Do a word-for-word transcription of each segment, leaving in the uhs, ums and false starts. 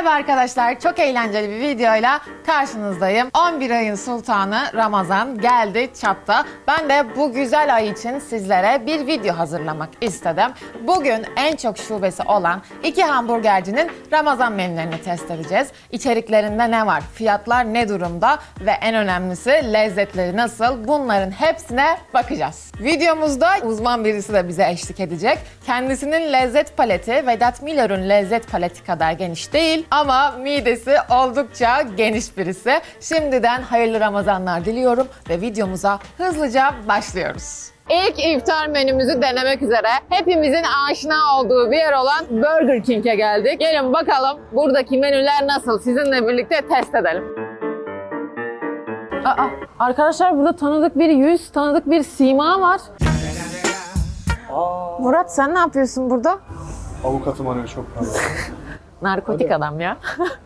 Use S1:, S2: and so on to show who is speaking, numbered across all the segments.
S1: Merhaba arkadaşlar, çok eğlenceli bir videoyla karşınızdayım. on bir ayın sultanı Ramazan geldi çatta. Ben de bu güzel ay için sizlere bir video hazırlamak istedim. Bugün en çok şubesi olan iki hamburgercinin Ramazan menülerini test edeceğiz. İçeriklerinde ne var, fiyatlar ne durumda ve en önemlisi lezzetleri nasıl, bunların hepsine bakacağız. Videomuzda uzman birisi de bize eşlik edecek. Kendisinin lezzet paleti Vedat Milor'un lezzet paleti kadar geniş değil ama midesi oldukça geniş birisi. Şimdiden hayırlı Ramazanlar diliyorum ve videomuza hızlıca başlıyoruz. İlk iftar menümüzü denemek üzere hepimizin aşina olduğu bir yer olan Burger King'e geldik. Gelin bakalım buradaki menüler nasıl, sizinle birlikte test edelim. Aa, arkadaşlar burada tanıdık bir yüz, tanıdık bir sima var.
S2: Aa.
S1: Murat sen ne yapıyorsun burada?
S2: Avukatım arıyor çok pardon.
S1: Narkotik adam ya.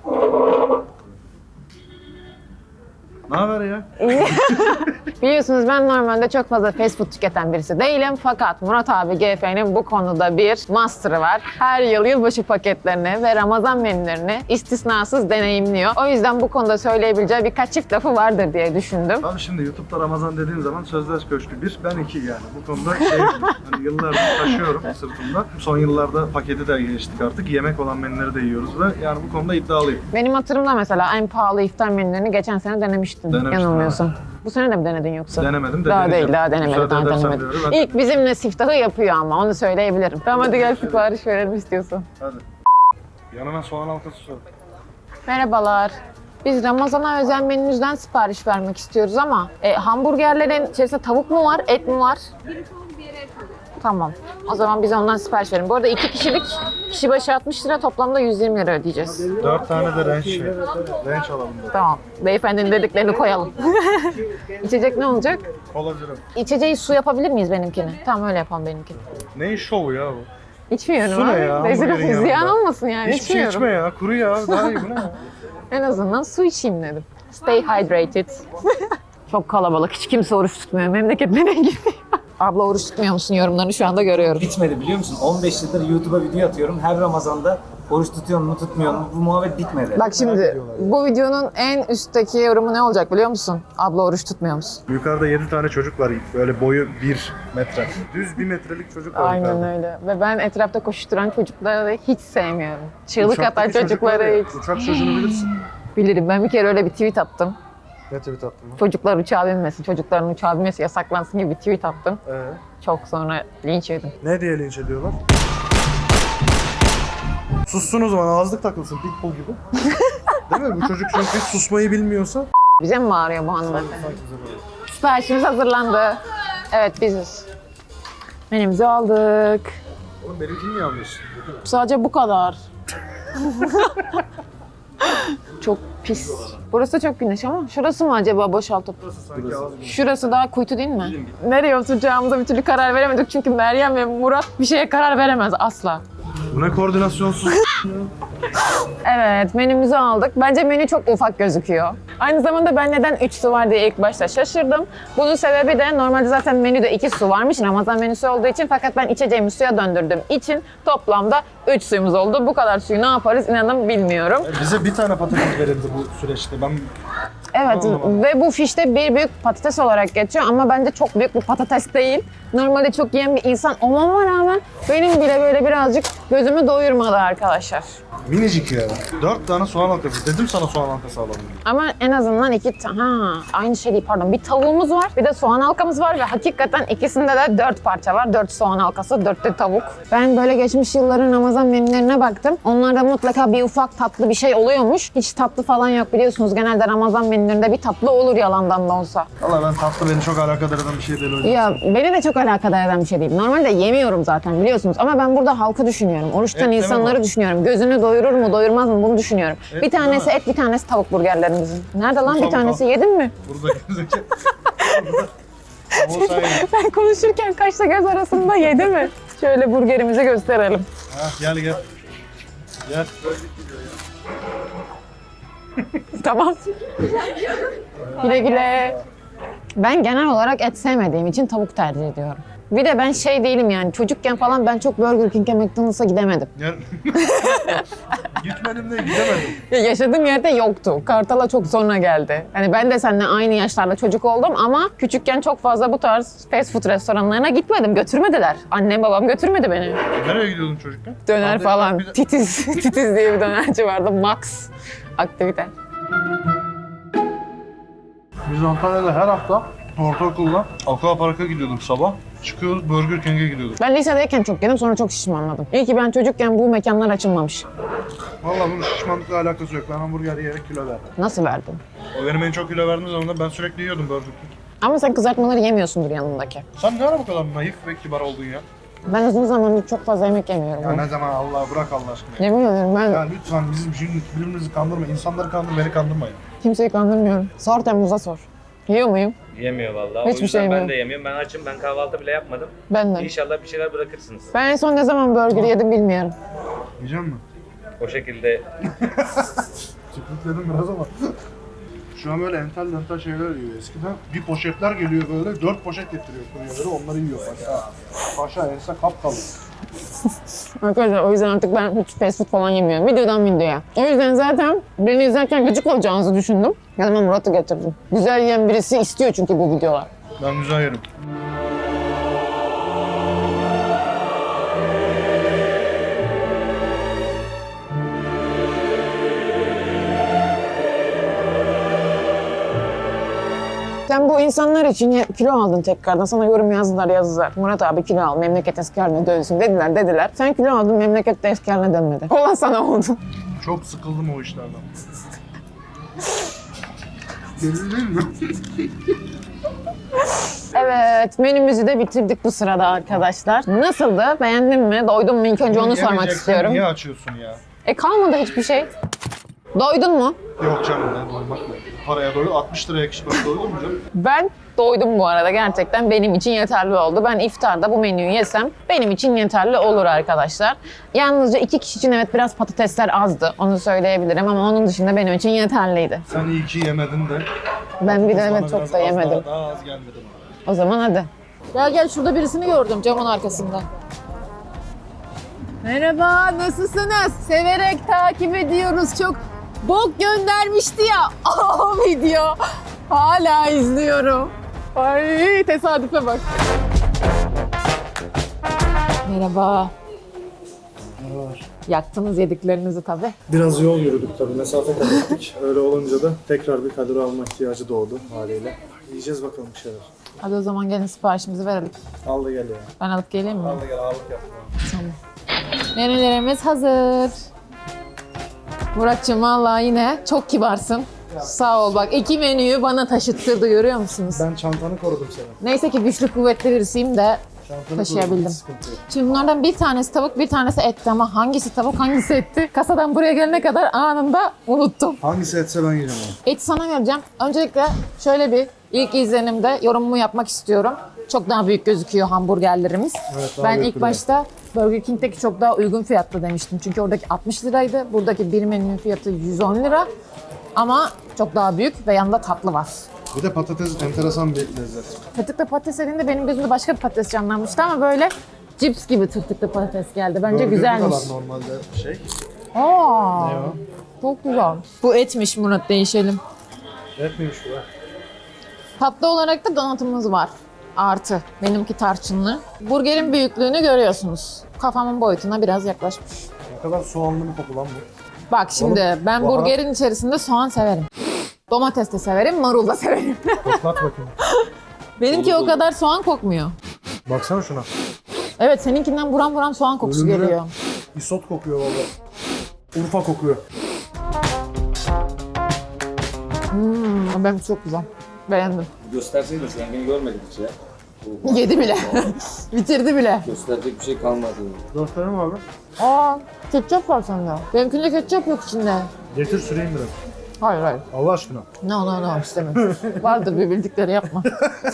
S2: Ne haber ya?
S1: Biliyorsunuz ben normalde çok fazla fast food tüketen birisi değilim. Fakat Murat abi G F'nin bu konuda bir master'ı var. Her yıl yılbaşı paketlerini ve Ramazan menülerini istisnasız deneyimliyor. O yüzden bu konuda söyleyebileceği birkaç çift lafı vardır diye düşündüm.
S2: Abi şimdi YouTube'da Ramazan dediğim zaman Sözler Köşkü bir, ben iki yani. Bu konuda şey, hani yıllardır taşıyorum sırtımda. Son yıllarda paketi de geçtik artık. Yemek olan menüleri de yiyoruz ve yani bu konuda iddialıyım.
S1: Benim hatırımda mesela en pahalı iftar menülerini geçen sene denemiştin.
S2: Denemiştim,
S1: Yanılmıyorsam.
S2: evet.
S1: Bu sene de mi denedin yoksa?
S2: Denemedim de
S1: Daha
S2: deneyeceğim.
S1: değil, daha denemedim,
S2: Müsaade
S1: daha
S2: edersen
S1: denemedim.
S2: diyorum, ben-
S1: İlk bizimle siftahı yapıyor ama onu söyleyebilirim. Tamam hadi gel sipariş verelim istiyorsan.
S2: Hadi. Yanına soğan halkası sor.
S1: Merhabalar. Biz Ramazan'a özel menünüzden sipariş vermek istiyoruz ama e, hamburgerlerin içerisinde tavuk mu var, et mi var? Biri tavuk, biri et. Tamam. O zaman biz ondan sipariş verelim. Bu arada iki kişilik, kişi başı altmış lira, toplamda yüz yirmi lira ödeyeceğiz.
S2: Dört tane de ranch şey. Ranch alalım da.
S1: Tamam. Beyefendinin dediklerini koyalım. İçecek ne olacak?
S2: Kola zero.
S1: İçeceği su yapabilir miyiz benimkini? Tamam öyle yapalım benimkini.
S2: Ne şovu ya bu?
S1: İçmiyorum
S2: Su ne
S1: abi.
S2: ya,
S1: Rezil
S2: hamburgerin
S1: olsun, ziyan
S2: yanında?
S1: olmasın yani.
S2: Hiçbir şey
S1: içmiyorum.
S2: içme ya. Kuru ya. Daha iyi bu ne ya?
S1: En azından su içeyim dedim. Stay hydrated. Çok kalabalık. Hiç kimse oruç tutmuyor. Memleket nereye gidiyor? Abla oruç tutmuyor musun? Yorumlarını şu anda görüyorum.
S3: Bitmedi biliyor musun? on beş yıldır YouTube'a video atıyorum. Her Ramazan'da oruç tutuyor mu tutmuyor mu? Bu muhabbet bitmedi.
S1: Bak şimdi bu videonun en üstteki yorumu ne olacak biliyor musun? Abla oruç tutmuyor musun?
S2: Yukarıda yedi tane çocuk var. Böyle boyu bir metre. Düz bir metrelik çocuk var
S1: Aynen
S2: yukarıda.
S1: öyle. Ve ben etrafta koşturan çocukları hiç sevmiyorum. Çığlık atan
S2: Uçaktaki çocuk var
S1: çocukları
S2: ya,
S1: hiç.
S2: Uçak çocuğunu bilirsin.
S1: Bilirim. Ben bir kere öyle bir tweet attım.
S2: Ne tweet attın mı?
S1: Çocuklar uçağa binmesin, çocukların uçağa binmesi yasaklansın gibi bir tweet attım.
S2: Ee,
S1: Çok sonra linç yedim.
S2: ne diye linç ediyorlar? Sussun o zaman, ağızlık takılsın pitbull gibi. Değil mi? Bu çocuk çünkü hiç susmayı bilmiyorsa.
S1: Bize mi bağırıyor bu hanımefendi?
S2: Sanki bize böyle.
S1: Siparişimiz hazırlandı. Evet biziz. Menümüzü aldık.
S2: Oğlum benimkini niye alıyorsun?
S1: Sadece bu kadar. Çok pis. Burası çok güneş ama şurası mı acaba boşaltıp?
S2: Sanki ağız gibi.
S1: Şurası daha kuytu değil mi? Nereye oturacağımıza bir türlü karar veremedik çünkü Meryem ve Murat bir şeye karar veremez asla.
S2: Bu ne koordinasyonsuz?
S1: Evet, menümüzü aldık. Bence menü çok ufak gözüküyor. Aynı zamanda ben neden üç su var diye ilk başta şaşırdım. Bunun sebebi de normalde zaten menüde iki su varmış Ramazan menüsü olduğu için, fakat ben içeceğimi suya döndürdüğüm için toplamda üç suyumuz oldu. Bu kadar suyu ne yaparız inanın bilmiyorum.
S2: Bize bir tane patates verildi bu süreçte. Ben
S1: Evet
S2: Anlamadım.
S1: ve bu fişte bir büyük patates olarak geçiyor ama bence çok büyük bir patates değil. Normalde çok yiyen bir insan olmama rağmen benim bile böyle birazcık gözümü doyurmadı arkadaşlar.
S2: minicik ya. Dört tane soğan halkası. Dedim sana soğan halkası alalım.
S1: Ama en azından iki tane, ha aynı şey değil pardon. Bir tavuğumuz var, bir de soğan halkamız var ve hakikaten ikisinde de dört parça var. Dört soğan halkası, dört de tavuk. Ben böyle geçmiş yılların Ramazan menülerine baktım. Onlarda mutlaka bir ufak tatlı bir şey oluyormuş. Hiç tatlı falan yok biliyorsunuz. Genelde Ramazan menülerinde bir tatlı olur yalandan da olsa.
S2: Valla ben tatlı beni çok alakadar eden bir şey değil o yüzden.
S1: Ya beni de çok alakadar eden bir şey değil. Normalde yemiyorum zaten biliyorsunuz ama ben burada halkı düşünüyorum. Oruç tutan
S2: Et deme
S1: insanları
S2: bana.
S1: düşünüyorum. Gözünü doyurur mu, doyurmaz mı bunu düşünüyorum.
S2: Et
S1: bir tanesi
S2: deme.
S1: et, bir tanesi tavuk burgerlerimizin. Nerede lan bir
S2: Tavuk
S1: tanesi?
S2: al.
S1: Yedin mi?
S2: Burada gözüküyor. Burada. Tavuğu sayın.
S1: Ben konuşurken kaşla göz arasında yedi mi? Şöyle burgerimizi gösterelim.
S2: Ha, gel gel. Gel.
S1: Tamam. Güle güle. Ben genel olarak et sevmediğim için tavuk tercih ediyorum. Bir de ben şey değilim yani çocukken falan ben çok Burger King'e, McDonald's'a gidemedim.
S2: Gel. Gitmedim de gidemedim.
S1: Ya yaşadığım yerde yoktu. Kartal'a çok sonra geldi. Hani ben de seninle aynı yaşlarda çocuk oldum ama küçükken çok fazla bu tarz fast food restoranlarına gitmedim. Götürmediler. Annem babam götürmedi beni.
S2: Nereye gidiyordun çocukken?
S1: Döner
S2: Abi,
S1: falan.
S2: bir de-
S1: Titiz. Titiz diye bir dönerci vardı. Max aktivite.
S2: Biz Antalya'da her hafta ortaokulda Aqua Park'a gidiyorduk sabah. Çıkıyoruz Burger King'e gidiyorduk.
S1: Ben lisedeyken çok yedim sonra çok şişmanladım. İyi ki ben çocukken bu mekanlar açılmamış.
S2: Vallahi bunun şişmanlıkla alakası yok. Ben hamburger yiyerek kilo verdim.
S1: Nasıl verdin?
S2: O benim en çok kilo verdiğim zaman ben sürekli yiyordum Burger King.
S1: Ama sen kızartmaları yemiyorsundur yanındaki.
S2: Sen ne ara bu kadar naif ve kibar oldun ya?
S1: Ben uzun zamandır çok fazla yemek yemiyorum.
S2: Ya ne zaman Allah bırak Allah aşkına. Ya.
S1: Yemin ederim ben
S2: Ya lütfen bizim şimdi birbirimizi kandırma. İnsanları kandır, beni kandırma ya.
S1: kimseyi kandırmıyorum. Sor Temmuz'a sor. Yiyor muyum?
S4: Yemiyor vallahi.
S1: Hiçbir
S4: o yüzden
S1: şey
S4: ben
S1: yemiyorum.
S4: de yemiyorum. Ben açım. Ben kahvaltı bile yapmadım.
S1: Ben de.
S4: İnşallah bir şeyler bırakırsınız.
S1: Ben en son ne zaman burger yedim bilmiyorum.
S2: Yiyecek misin?
S4: O şekilde
S2: Tükürükledim biraz ama. Şu an böyle entel entel şeyler yiyor. Eskiden bir poşetler geliyor böyle, dört poşet getiriyor kuryeleri, onları yiyor paşa. Paşa ense kapkalı.
S1: Arkadaşlar o yüzden artık ben hiç fast food falan yemiyorum. Videodan videoya. O yüzden zaten beni izlerken gıcık olacağınızı düşündüm. Yanıma Murat'ı getirdim. Güzel yiyen birisi istiyor çünkü bu videolar.
S2: Ben güzel yerim.
S1: Sen bu insanlar için ye- kilo aldın tekrardan. Sana yorum yazdılar yazdılar. Murat abi kilo al, memleket eski haline dönsün dediler dediler. Sen kilo aldın, memleket de eski haline dönmedi. Olan sana oldu.
S2: Çok sıkıldım o işlerden. Deli değil mi?
S1: Evet, menümüzü de bitirdik bu sırada arkadaşlar. Nasıldı? Beğendin mi? Doydun mu? İlk önce onu sormak
S2: Yemeyeceksen
S1: istiyorum.
S2: Niye açıyorsun ya?
S1: E kalmadı hiçbir şey. Doydun mu?
S2: Yok canım ne doymak ne? Paraya doydu, altmış liraya kişi başı doydun mu canım?
S1: Ben doydum bu arada. Gerçekten benim için yeterli oldu. Ben iftarda bu menüyü yesem benim için yeterli olur arkadaşlar. Yalnızca iki kişi için evet biraz patatesler azdı. Onu söyleyebilirim ama onun dışında benim için yeterliydi.
S2: Sen iyi ki yemedin de.
S1: Ben bir de
S2: Bana
S1: evet
S2: biraz
S1: çok da
S2: az
S1: yemedim.
S2: Daha, daha az gelmedi bana.
S1: O zaman hadi. Gel gel şurada birisini gördüm camın arkasında. Merhaba, nasılsınız? Severek takip ediyoruz. Çok bok göndermişti ya o video. Hala izliyorum. Ay tesadüfe bak. Merhaba. Yaktınız yediklerinizi tabii.
S2: Biraz yol yürüdük tabii, mesafe kat ettik. Öyle olunca da tekrar bir kalori alma ihtiyacı doğdu haliyle. Yiyeceğiz bakalım bir şeyler.
S1: Hadi o zaman gelin siparişimizi verelim.
S2: Al da gel ya.
S1: Ben alıp geleyim mi?
S2: Al da gel, ağırlık yapma.
S1: Tamam. Menülerimiz hazır. Muratcığım vallahi yine çok kibarsın. Sağ ol bak iki menüyü bana taşıttırdı görüyor musunuz?
S2: Ben çantanı korudum seni.
S1: Neyse ki güçlü kuvvetli birisiyim de
S2: Çantanı
S1: taşıyabildim.
S2: korudum, hiç sıkıntı yok.
S1: Şimdi bunlardan bir tanesi tavuk bir tanesi etti ama hangisi tavuk hangisi etti? Kasadan buraya gelene kadar anında unuttum.
S2: Hangisi etse ben yiyeceğim onu.
S1: Eti sana vereceğim. Öncelikle şöyle bir ilk izlenimde yorumumu yapmak istiyorum. Çok daha büyük gözüküyor hamburgerlerimiz.
S2: Evet, daha
S1: ben
S2: büyük
S1: ilk
S2: duruyor.
S1: başta Burger King'deki çok daha uygun fiyatlı demiştim. Çünkü oradaki altmış liraydı. Buradaki bir menünün fiyatı yüz on lira. Ama çok daha büyük ve yanında tatlı var.
S2: Bir de patates enteresan bir lezzet.
S1: Tırtıklı patates dediğinde benim gözümde başka bir patates canlanmıştı ama böyle cips gibi tırtıklı patates geldi. Bence
S2: Burger'da
S1: güzelmiş.
S2: var normalde şey.
S1: Aa,
S2: Ne o?
S1: çok güzel. Bu etmiş Murat, değişelim.
S2: Et miymiş bu ya?
S1: Tatlı olarak da donatımız var. Artı. Benimki tarçınlı. Burgerin büyüklüğünü görüyorsunuz. Kafamın boyutuna biraz yaklaşmış.
S2: Ne kadar soğanlı bir koku lan bu.
S1: Bak şimdi
S2: Oğlum,
S1: ben
S2: baharat-
S1: burgerin içerisinde soğan severim. Domates de severim, marul da severim.
S2: Koklat bakayım.
S1: Benimki o kadar soğan kokmuyor.
S2: Baksana şuna.
S1: Evet seninkinden buram buram soğan kokusu
S2: Ölümüne
S1: geliyor.
S2: Isot kokuyor valla. Urfa kokuyor.
S1: Hmm, benim çok güzel. Beğendim.
S5: Gösterseydin sen beni görmedin hiç ya.
S1: Yedi bile. Bitirdi bile.
S5: Gösterecek bir şey kalmadı.
S2: Gösterelim abi.
S1: Aa, ketçap var sende. Benimkinde ketçap yok içinde.
S2: Getir süreyim biraz.
S1: Hayır hayır.
S2: Allah aşkına.
S1: No no no istemem. Vardır bir bildikleri yapma.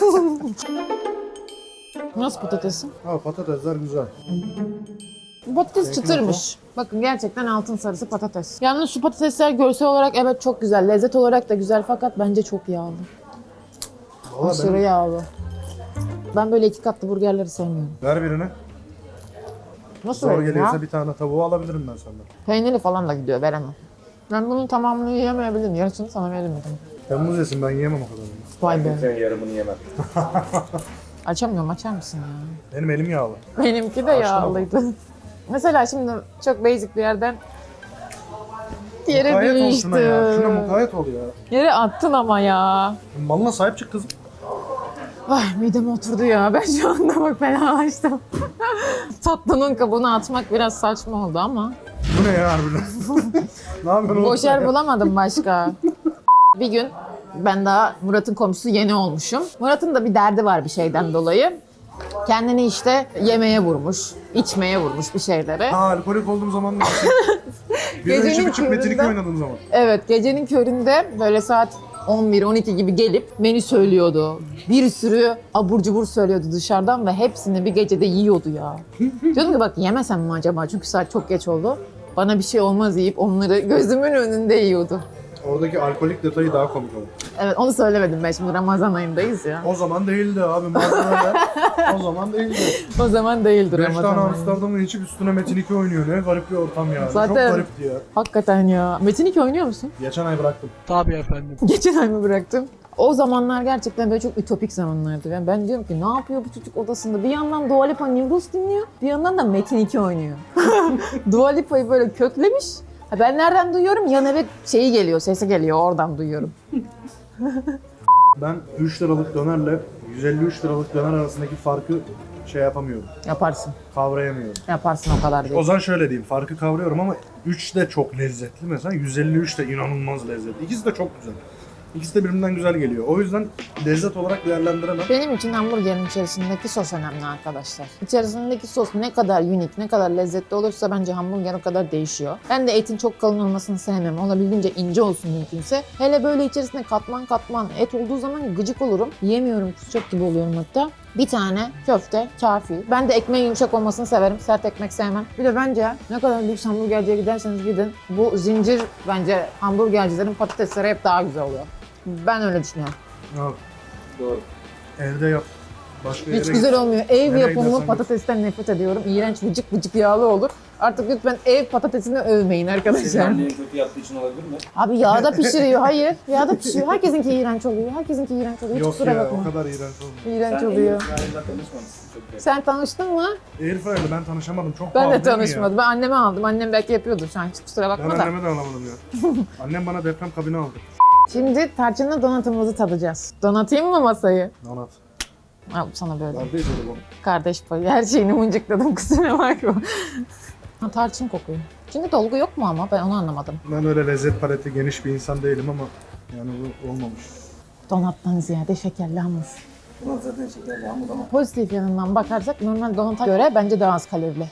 S1: Nasıl patatesin?
S2: Ha patatesler güzel.
S1: Bu patates çıtırmış. Bakın gerçekten altın sarısı patates. Yalnız şu patatesler görsel olarak evet çok güzel. Lezzet olarak da güzel fakat bence çok yağlı.
S2: Valla
S1: Aşırı
S2: ben...
S1: yağlı. Ben böyle iki katlı burgerleri sevmiyorum.
S2: Ver birini.
S1: Nasıl
S2: Zor
S1: vereyim
S2: geliyorsa
S1: ya?
S2: bir tane tavuğu alabilirim ben senden.
S1: Peynirli falan da gidiyor, veremem. Ben bunun tamamını yiyemeyebilirim. Yarısını sana veririm dedim.
S2: Temmuz yesin ben yiyemem o kadarını.
S1: Vay be.
S4: Sen yarımını yemem.
S1: Açamıyorum, açar mısın ya?
S2: Benim elim yağlı.
S1: Benimki de yağlıydı. Mesela şimdi çok basic bir yerden yere
S2: Mukayyet ol şuna ya. Şuna
S1: düştü.
S2: mukayyet ol ya.
S1: Yere attın ama ya.
S2: Malına sahip çık kızım.
S1: Ay mideme oturdu ya. Ben şu anda bak fenalaştım. Tatlının kabuğunu atmak biraz saçma oldu ama.
S2: Bu ne ya harbiden? Ne yapıyorsun
S1: Boş
S2: oğlum?
S1: yer bulamadım başka. Bir gün ben daha Murat'ın komşusu yeni olmuşum. Murat'ın da bir derdi var bir şeyden dolayı. Kendini işte yemeğe vurmuş, içmeye vurmuş bir şeylere.
S2: Ha alkolik olduğum zaman da. Bir
S1: Gecenin
S2: içip içip Metin iki
S1: köründe-
S2: oynadığım zaman.
S1: Evet, gecenin köründe böyle saat on bir on iki gibi gelip menü söylüyordu. Bir sürü abur cubur söylüyordu dışarıdan ve hepsini bir gecede yiyordu ya. Diyordum ki bak yemesem mi acaba çünkü saat çok geç oldu. Bana bir şey olmaz yiyip onları gözümün önünde yiyordu.
S2: Oradaki alkolik detayı daha komik oldu.
S1: Evet onu söylemedim ben şimdi Ramazan ayındayız ya.
S2: O zaman değildi abi malzemeler. O zaman değildi.
S1: O zaman değildir
S2: Beş
S1: Ramazan
S2: tane
S1: ayı.
S2: Amsterdam'ı içip üstüne Metin iki oynuyor. Ne garip bir ortam ya.
S1: Zaten-
S2: Çok garipti ya.
S1: Hakikaten ya. Metin iki oynuyor musun?
S2: Geçen ay bıraktım.
S1: Geçen ay mı bıraktım? O zamanlar gerçekten böyle çok ütopik zamanlardı. Yani ben diyorum ki ne yapıyor bu çocuk odasında? Bir yandan Dua Lipa New Rules dinliyor, bir yandan da Metin iki oynuyor. Dua Lipa'yı böyle köklemiş. Ha ben nereden duyuyorum? Yan eve şeyi geliyor, sesi geliyor. Oradan duyuyorum.
S2: Ben üç liralık dönerle yüz elli üç liralık döner arasındaki farkı şey yapamıyorum.
S1: Yaparsın.
S2: Kavrayamıyorum.
S1: Yaparsın o kadar
S2: O
S1: değil.
S2: zaman şöyle diyeyim. Farkı kavruyorum ama üç de çok lezzetli mesela. yüz elli üç de inanılmaz lezzetli. İkisi de çok güzel. İkisi de birbirinden güzel geliyor. O yüzden lezzet olarak değerlendiremem.
S1: Benim için hamburgerin içerisindeki sos önemli arkadaşlar. İçerisindeki sos ne kadar unik, ne kadar lezzetli olursa bence hamburger o kadar değişiyor. Ben de etin çok kalın olmasını sevmem. Olabildiğince ince olsun mümkünse. Hele böyle içerisinde katman katman et olduğu zaman gıcık olurum. Yiyemiyorum, kusacak gibi oluyorum hatta. Bir tane köfte kafi. Ben de ekmeğin yumuşak olmasını severim. Sert ekmek sevmem. Bir de bence ne kadar lüks hamburgerciye giderseniz gidin. Bu zincir bence hamburgercilerin patatesleri hep daha güzel oluyor. Ben öyle düşünüyorum.
S2: Abi,
S5: Doğru.
S2: evde yap. Başka yere
S1: Hiç
S2: git.
S1: güzel olmuyor. Ev
S2: Nereye
S1: yapımı
S2: gidersen
S1: patatesten nefret ediyorum. İğrenç vıcık vıcık yağlı olur. Artık lütfen ev patatesini övmeyin
S5: Senin
S1: arkadaşlar.
S5: annen kötü yaptığı için olabilir mi?
S1: Abi yağda pişiriyor. Hayır. Yağda pişiriyor. Herkesinki iğrenç oluyor. Herkesinki iğrenç oluyor. Hiç
S2: Yok
S1: kusura
S2: ya
S1: bakma.
S2: o kadar iğrenç olmuyor.
S1: İğrenç
S5: Sen
S1: oluyor.
S5: Ailesiyle tanışmamışsın çok güzel.
S1: Sen tanıştın mı?
S2: Airfryer'le ben tanışamadım. Çok
S1: Ben
S2: pahalı
S1: de
S2: değil mi ya?
S1: tanışmadım. Ben anneme aldım. Annem belki yapıyordur. Sen hiç kusura
S2: Ben
S1: bakma da.
S2: anneme de alamadım ya. Annem bana deprem kabini aldı.
S1: Şimdi tarçınlı donatımızı tadacağız. Donatayım mı masayı?
S2: Donat.
S1: Al sana böyle.
S2: Kardeş oğlum.
S1: Kardeş payı. Her şeyini mıncıkladım. Kusura bakma. Ha, tarçın kokuyor. İçinde dolgu yok mu ama? Ben onu anlamadım.
S2: Ben öyle lezzet paleti geniş bir insan değilim ama yani bu olmamış.
S1: Donattan ziyade şekerli hamur.
S5: Bunlar zaten şekerli hamur ama.
S1: Pozitif yanından bakarsak normal donata göre bence daha az kalorili.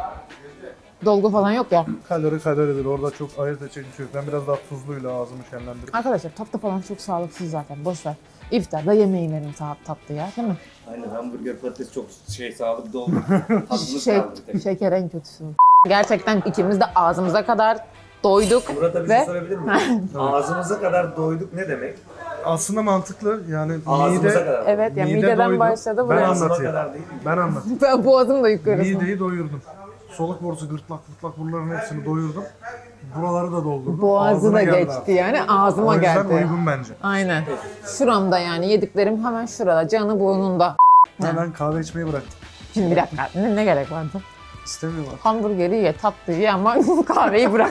S1: Dolgu falan yok ya.
S2: Kalori kaloridir. Orada çok ayırt edecek bir şey yok. Ben biraz daha tuzluyla ağzımı şenlendirip.
S1: Arkadaşlar tatlı falan çok sağlıksız zaten. Boş ver. İftarda yemeği verin tat, tatlı ya değil mi?
S5: Aynen hamburger patates çok şey sağlıklı oldu. Tadımız
S1: Şey,
S5: kaldı bir tek.
S1: şeker en kötüsü. Gerçekten ikimiz de ağzımıza kadar doyduk.
S4: Murat'a bir
S1: Ve-
S4: şey sorabilir miyim? Ağzımıza kadar doyduk ne demek?
S2: Aslında mantıklı yani
S4: Ağzımıza
S2: mide...
S4: kadar.
S1: Evet ya
S2: Mide
S1: mideden
S2: doydu.
S1: başladı
S2: Ben
S1: buraya.
S2: anlatayım.
S4: Ağzıma kadar değil mi?
S2: Ben anlatayım.
S1: Ben boğazım da yukarısı.
S2: Mideyi doyurdum. Soluk borusu, gırtlak, gırtlak buraların hepsini doyurdum. Buraları da doldurdum.
S1: Boğazı
S2: Ağzına
S1: da
S2: geldi
S1: geçti
S2: artık.
S1: yani
S2: O
S1: ağzıma
S2: yüzden
S1: geldi.
S2: uygun bence.
S1: Aynen. Şuramda yani yediklerim hemen şurada. Canı burnunda.
S2: Ben, ben kahve içmeyi bıraktım.
S1: Şimdi bir dakika ne, ne gerek vardı?
S2: İstemiyorlar.
S1: Hamburgeri ye, tatlıyı ye ama kahveyi bırak.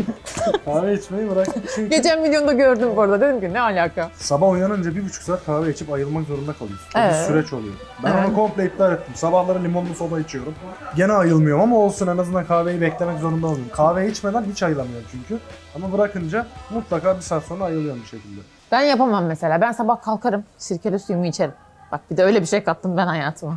S2: Kahve içmeyi bıraktım çünkü
S1: Geçen videomda gördüm bu arada. Dedim ki ne alaka?
S2: sabah uyanınca bir buçuk saat kahve içip ayılmak zorunda kalıyorsun. O
S1: Evet.
S2: bir süreç oluyor. Ben
S1: Evet.
S2: onu komple iptal ettim. Sabahları limonlu soda içiyorum. Gene ayılmıyorum ama olsun en azından kahveyi beklemek zorunda oluyorum. Kahve içmeden hiç ayılamıyorum çünkü. Ama bırakınca mutlaka bir saat sonra ayılıyorum bir şekilde.
S1: Ben yapamam mesela. Ben sabah kalkarım, sirkeli suyumu içerim. Bak bir de öyle bir şey kattım ben hayatıma.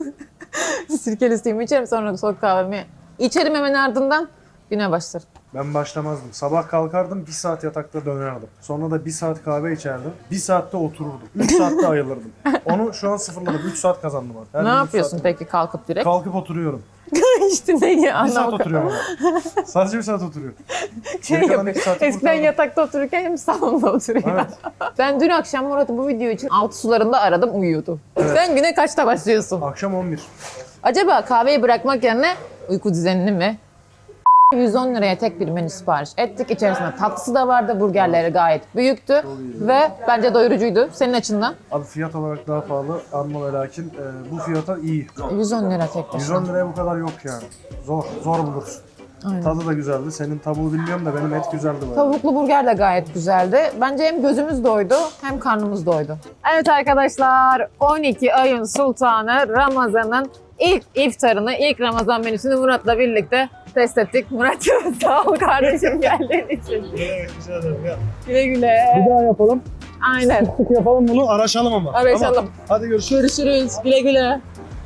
S1: Sirkeli suyumu içerim sonra soğuk kahvemi içerim hemen ardından güne başlarım.
S2: Ben başlamazdım. Sabah kalkardım, bir saat yatakta dönerdim. Sonra da bir saat kahve içerdim. Bir saatte otururdum. Üç saatte ayılırdım. Onu şu an sıfırladım. Üç saat kazandım artık. Her
S1: ne
S2: gün üç
S1: yapıyorsun
S2: saat-
S1: peki kalkıp direkt?
S2: Kalkıp oturuyorum.
S1: işte neyi
S2: Bir saat
S1: anlamadım.
S2: oturuyorum ama. Sadece bir saat oturuyorum.
S1: Şey
S2: Geri kalan
S1: yapıyor.
S2: iki saati
S1: Eskiden
S2: kurtardım.
S1: yatakta otururken hem salonda oturuyor.
S2: Evet.
S1: Ben dün akşam Murat'ı bu video için altı sularında aradım uyuyordu. Sen güne kaçta başlıyorsun?
S2: Akşam on bir.
S1: Acaba kahveyi bırakmak yerine uyku düzenini mi? yüz on liraya tek bir menü sipariş ettik. İçerisinde tatlısı da vardı. Burgerleri gayet büyüktü. Ve bence doyurucuydu. Senin açından.
S2: Abi fiyat olarak daha pahalı ama ve lakin e, bu fiyata iyi.
S1: yüz on lira tek
S2: yüz
S1: başına.
S2: on liraya bu kadar yok yani. Zor, zor bulursun.
S1: Aynen.
S2: Tadı da güzeldi. Senin tavuğu bilmiyorum da benim et güzeldi bayağı.
S1: Tavuklu burger de gayet güzeldi. Bence hem gözümüz doydu hem karnımız doydu. Evet arkadaşlar, on iki ayın sultanı Ramazan'ın ilk iftarını, ilk Ramazan menüsünü Murat'la birlikte test ettik. Murat'cığım sağ ol kardeşim geldiğin için.
S2: Evet, güzel ederim ya.
S1: Güle güle.
S2: Bir daha yapalım.
S1: Aynen.
S2: Yapalım bunu, araşalım ama.
S1: Araşalım.
S2: Tamam. Hadi görüşürüz.
S1: Görüşürüz. Güle güle.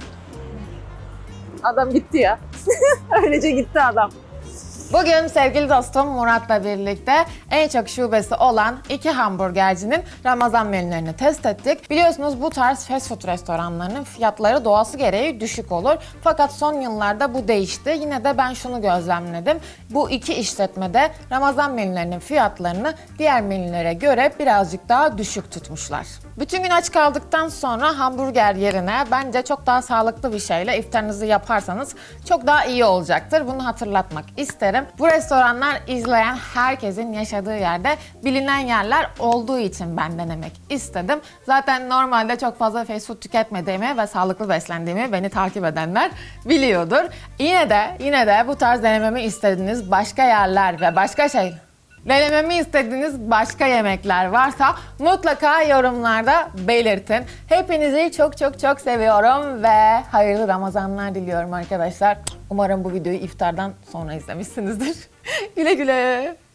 S1: Adam gitti ya. Öylece gitti adam. Bugün sevgili dostum Murat'la birlikte en çok şubesi olan iki hamburgercinin Ramazan menülerini test ettik. Biliyorsunuz bu tarz fast food restoranlarının fiyatları doğası gereği düşük olur. Fakat son yıllarda bu değişti. Yine de ben şunu gözlemledim. Bu iki işletmede Ramazan menülerinin fiyatlarını diğer menülere göre birazcık daha düşük tutmuşlar. Bütün gün aç kaldıktan sonra hamburger yerine bence çok daha sağlıklı bir şeyle iftarınızı yaparsanız çok daha iyi olacaktır. Bunu hatırlatmak isterim. Bu restoranlar izleyen herkesin yaşadığı yerde bilinen yerler olduğu için ben denemek istedim. Zaten normalde çok fazla fast food tüketmediğimi ve sağlıklı beslendiğimi beni takip edenler biliyordur. Yine de yine de bu tarz denememi istediğiniz başka yerler ve başka şey denememi istediğiniz başka yemekler varsa mutlaka yorumlarda belirtin. Hepinizi çok çok çok seviyorum ve hayırlı Ramazanlar diliyorum arkadaşlar. Umarım bu videoyu iftardan sonra izlemişsinizdir. Güle güle.